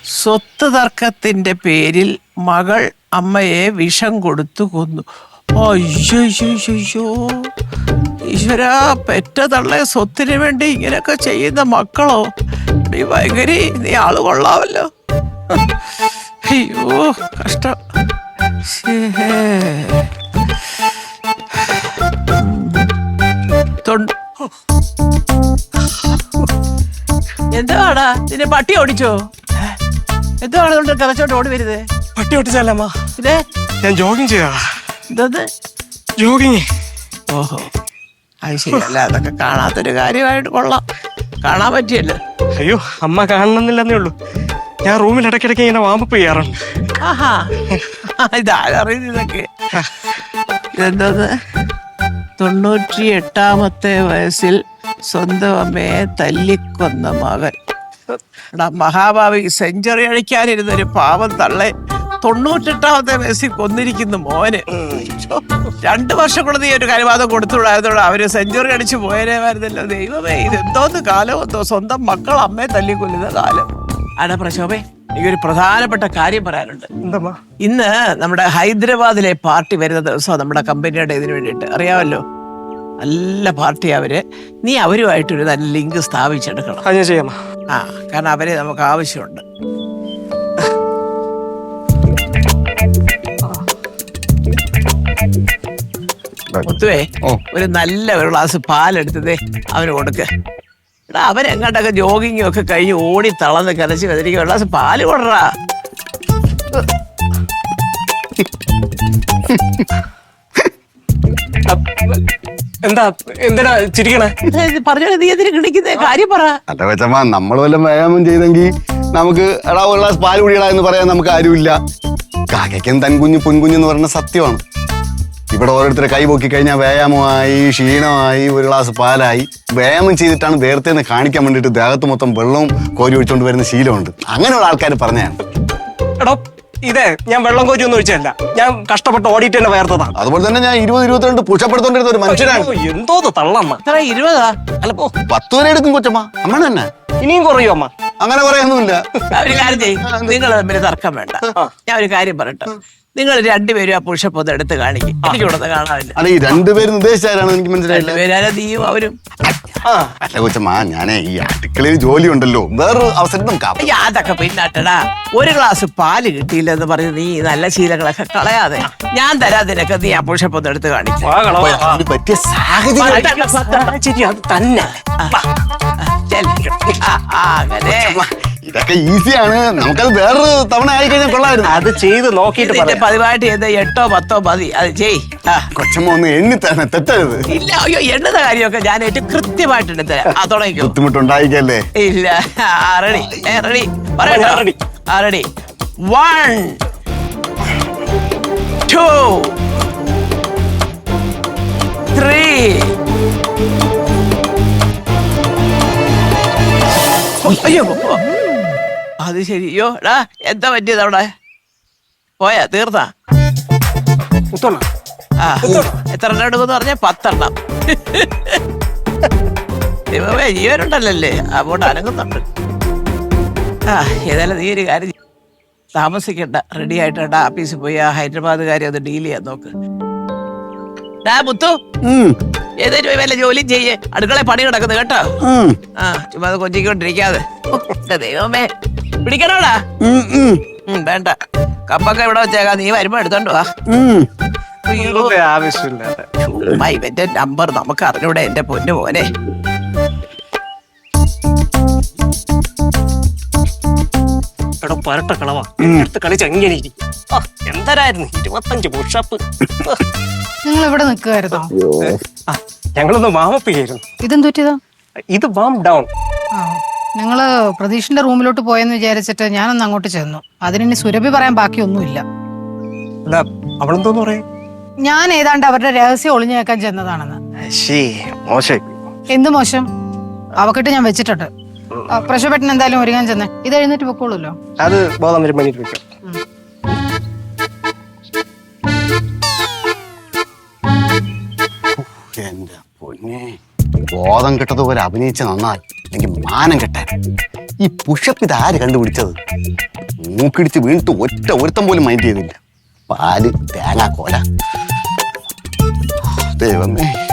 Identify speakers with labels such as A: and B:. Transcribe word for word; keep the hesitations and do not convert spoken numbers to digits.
A: സ്വത്ത് തർക്കത്തിന്റെ പേരിൽ മകൾ അമ്മയെ വിഷം കൊടുത്തു കൊന്നു. അയ്യോ ഈശ്വര, പെറ്റ തള്ളെ സ്വത്തിന് വേണ്ടി ഇങ്ങനെയൊക്കെ ചെയ്യുന്ന മക്കളോ? നീ ഭയങ്കരി, നീ ആള് കൊള്ളാവല്ലോ. അയ്യോ കഷ്ടം. എന്താടാ നിന്നെ പട്ടി ഓടിച്ചോ? എന്താണ് കൊണ്ട് കഥച്ചോട്ട് ഓടി വരുന്നത്?
B: പട്ടി ഓടിച്ചല്ലമ്മ,
A: ഇതേ
B: ഞാൻ ജോഗിങ് ചെയ്താ.
A: എന്തത്
B: ജോഗിങ്?
A: ഓഹോ, അത് ശരിയല്ല. അതൊക്കെ കാണാത്തൊരു കാര്യമായിട്ട് കൊള്ളാം. കാണാൻ പറ്റിയല്ലോ.
B: അയ്യോ അമ്മ കാണണമെന്നില്ലെന്നേ ഉള്ളൂ. ഞാൻ റൂമിൽ ഇടയ്ക്കിടയ്ക്ക് ഇങ്ങനെ വാമ്പപ്പ് ചെയ്യാറുണ്ട്.
A: ആഹാ, ഇതാരറിയുന്നു ഇതൊക്കെ? ഇതെന്തോന്ന്? തൊണ്ണൂറ്റി എട്ടാമത്തെ വയസ്സിൽ സ്വന്തം അമ്മയെ തല്ലിക്കൊന്ന മകൻ. എടാ മഹാഭാവി, സെഞ്ചുറി അഴിക്കാനിരുന്നൊരു പാവം തള്ളെ തൊണ്ണൂറ്റെട്ടാമത്തെ വയസ്സിൽ കൊന്നിരിക്കുന്നു മോന്. രണ്ടു വർഷം കൂടെ നീ ഒരു കരുവാദം കൊടുത്തുവിടായതോടെ അവര് സെഞ്ചുറി അടിച്ചു പോയനേമായിരുന്നല്ലോ. ദൈവമേ, ഇതെന്തോന്ന് കാലം എന്തോ, സ്വന്തം മക്കൾ അമ്മയെ തല്ലിക്കൊല്ലുന്ന കാലം. അടാ പ്രശോഭേ, എനിക്കൊരു പ്രധാനപ്പെട്ട കാര്യം പറയാനുണ്ട്.
B: എന്തമ്മാ?
A: ഇന്ന് നമ്മുടെ ഹൈദരാബാദിലെ പാർട്ടി വരുന്ന ദിവസം നമ്മുടെ കമ്പനിയുടെ ഇതിനു വേണ്ടിയിട്ട് അറിയാമല്ലോ. നല്ല പാർട്ടി അവര്. നീ അവരുമായിട്ടൊരു നല്ല ലിങ്ക് സ്ഥാപിച്ചെടുക്കണം.
B: അത് ഞാൻ ചെയ്യാം.
A: ആ, കാരണം അവരെ നമുക്ക് ആവശ്യമുണ്ട്. മുത്തുവേ, ഒരു നല്ല ഒരു ഗ്ലാസ് പാലെടുത്തതേ അവന് കൊടുക്ക്. എടാ അവരെങ്ങാണ്ടൊക്കെ ജോഗിങ്ങും ഒക്കെ കഴിഞ്ഞ് ഓടി തളന്ന് കലച്ച് വെതിരിക്കും. ഒരു ഗ്ലാസ് പാല് കൊടുറാ.
B: എന്താ എന്തിനാ ചിരിക്കണേ?
A: പറഞ്ഞോ, നീ എന്തിനു കിണിക്കുന്നേ? കാര്യം പറ.
C: അല്ല വെച്ചമ്മ, നമ്മൾ വല്ലതും വ്യായാമം ചെയ്തെങ്കിൽ നമുക്ക് എടാ ഒരു ഗ്ലാസ് പാല് കുടികളാ എന്ന് പറയാൻ നമുക്ക് ആരുമില്ല. കാക്കയ്ക്കും തൻകുഞ്ഞ് പൊൻകുഞ്ഞെന്ന് പറയുന്ന സത്യമാണ്. ഇവിടെ ഓരോരുത്തരെ കൈ പൊക്കി കഴിഞ്ഞാൽ വ്യായാമമായി, ക്ഷീണമായി, ഒരു ഗ്ലാസ് പാലായി. വ്യായാമം ചെയ്തിട്ടാണ് വേർത്തേന്ന് കാണിക്കാൻ വേണ്ടിയിട്ട് ദേഹത്ത് മൊത്തം വെള്ളവും കോരി ഒഴിച്ചുകൊണ്ട് വരുന്ന ശീലമുണ്ട്. അങ്ങനെയുള്ള ആൾക്കാർ പറഞ്ഞതാണ്.
B: എടോ ഇതേ ഞാൻ വെള്ളം കോരി ഒന്നും ഒഴിച്ചല്ല, ഞാൻ കഷ്ടപ്പെട്ട് ഓടിയിട്ട് തന്നെ വേർത്തതാണ്.
C: അതുപോലെ തന്നെ ഞാൻ ഇരുപത് ഇരുപത്തിരണ്ട് പുഷപ്പെടുത്തോണ്ടിരുന്ന ഒരു മനുഷ്യനാണ്.
B: എന്തോ തള്ളമ്മ.
A: ഇരുപതാ
B: അല്ല പോ,
C: പത്ത് വരെ എടുക്കും കൊച്ചമ്മ. അമ്മ തന്നെ
B: ഇനിയും കുറയോ അമ്മ?
C: അങ്ങനെ പറയാനൊന്നുമില്ല.
A: ഒരു കാര്യം ചെയ്യും, നിങ്ങൾ തമ്മിൽ തർക്കം വേണ്ട. ഞാൻ ഒരു കാര്യം പറയട്ടെ, നിങ്ങൾ രണ്ടുപേരും ആ പുഷപ്പ് ഒന്ന് എടുത്ത് കാണിക്കും. എനിക്ക് ഇവിടെ കാണാനില്ല.
C: അല്ല, ഈ രണ്ടുപേരും ഉദ്ദേശിച്ചാരാണ് എനിക്ക് മനസ്സിലായില്ല.
A: രണ്ടുപേരാ നീയും അവരും.
C: അല്ല കൊച്ചമ്മ, ഞാനേ ഈ അടുക്കളയിൽ ജോലി ഉണ്ടല്ലോ, വേറൊരു അവസരം നമുക്ക്.
A: അതൊക്കെ പിന്നാട്ടടാ. ഒരു ഗ്ലാസ് പാല് കിട്ടിയില്ല എന്ന് പറഞ്ഞ് നീ നല്ല ശീലങ്ങളൊക്കെ കളയാതെ ഞാൻ തരാതിനൊക്കെ നീ ആ പുഷപ്പ് ഒന്ന് എടുത്ത് കാണിക്കും.
C: പറ്റിയ സാഹചര്യം
B: തന്നെ.
A: അങ്ങനെ
C: ഇതൊക്കെ ഈസിയാണ്. നമുക്കത് വേറൊരു തവണ ആയി കഴിഞ്ഞാൽ കൊള്ളായിരുന്നു.
B: അത് ചെയ്ത് നോക്കിയിട്ട്
A: പതിവായിട്ട് ചെയ്ത് എട്ടോ പത്തോ മതി. അത് ചെയ്.
C: കൊച്ചമ്മ ഒന്ന് എണ്ണി തന്നെ തെറ്റരുത്.
A: ഇല്ല, അയ്യോ എണ്ണുന്ന കാര്യമൊക്കെ ഞാൻ ഏറ്റവും കൃത്യമായിട്ട് എടുത്തരാം. ആ തുടങ്ങിക്കോ.
C: ബുദ്ധിമുട്ടുണ്ടായിക്കല്ലേ?
A: ഇല്ല. റെഡി റെഡി പറയട്ടോ. റെഡി. വൺ ടു ത്രീ അയ്യോ അത് ശരി. അയ്യോ എടാ, എന്താ പറ്റിയത് അവിടെ? പോയാ തീർന്നാ? ആ, എത്ര എണ്ണം എടുക്കുമെന്ന് പറഞ്ഞ? പത്തെണ്ണം. ദൈവമേ, ജീവനുണ്ടല്ലേ? അങ്ങോട്ട് അനങ്ങുന്നുണ്ട്. ആ, ഏതായാലും നീ ഒരു കാര്യം താമസിക്കണ്ട, റെഡി ആയിട്ട് ആഫീസിൽ പോയി ആ ഹൈദരാബാദ് കാര്യം ഒന്ന് ഡീൽ ചെയ്യാൻ നോക്ക്. ഡാ മുത്തു, ഏതായാലും വല്ല ജോലിയും ചെയ്യേ. അടുക്കള പണി കിടക്കുന്നു കേട്ടോ. ആ, ചുമ്മാ അത് കൊഞ്ചിക്കൊണ്ടിരിക്കാതെ. ദൈവമേ, പിടിക്കണോടാ? വേണ്ട, കപ്പൊക്കെ ഇവിടെ വെച്ചേക്കാം. നീ വരുമ്പോ എടുത്തോണ്ട് വാ.
B: ആവശ്യമില്ലാതെ
A: ഇവന്റെ നമ്പർ നമുക്ക് അറിഞ്ഞൂടെ എന്റെ പൊന്നു മോനെ.
B: എടോ പരട്ട കളവാ, എടുത്ത് കളിച്ച് എങ്ങനെ ഇരിക്കും? എന്തരായിരുന്നു ഇരുപത്തഞ്ച് പുഷപ്പ്.
D: നിങ്ങൾ ഇവിടെ നിൽക്കുമായിരുന്നോ?
B: ഞങ്ങളൊന്ന് വാമപ്പ് ചെയ്യായിരുന്നു.
D: ഇതെന്തുറ്റിയതാ?
B: ഇത് വാം ഡൗൺ.
D: നിങ്ങള് പ്രതീഷിന്റെ റൂമിലോട്ട് പോയെന്ന് വിചാരിച്ചിട്ട് ഞാനൊന്ന് അങ്ങോട്ട് ചെന്നു. അതിനി സുരഭി പറയാൻ ബാക്കിയൊന്നുമില്ല.
B: അവളെന്തോന്ന് പറയാ?
D: ഞാൻ ഏതാണ്ട് അവരുടെ രഹസ്യം ഒളിഞ്ഞു കേൾക്കാൻ ചെന്നതാണെന്ന്. എന്ത് മോശം? അവക്കിട്ട് ഞാൻ വെച്ചിട്ടുണ്ട്. പ്രശോഭേട്ടൻ എന്തായാലും ഒരുങ്ങാൻ ചെന്നേ. ഇത് എഴുന്നേറ്റ് പൊക്കോളൂല്ലോ.
B: അത് ബോധം വരും പണിയിട്ട് വെക്കാം.
C: എന്റെ പൊന്നെ, ബോധം കിട്ടതുപോലെ അഭിനയിച്ച നന്നായി, എനിക്ക് മാനം കിട്ടാൻ. ഈ പുഷപ്പ് ഇത് ആര് കണ്ടുപിടിച്ചത്? മൂക്കിടിച്ച് വീണിട്ട് ഒറ്റ ഒരുത്തം പോലും മൈൻഡ് ചെയ്തില്ല. പാല് തേങ്ങാ കോല. ദൈവമേ.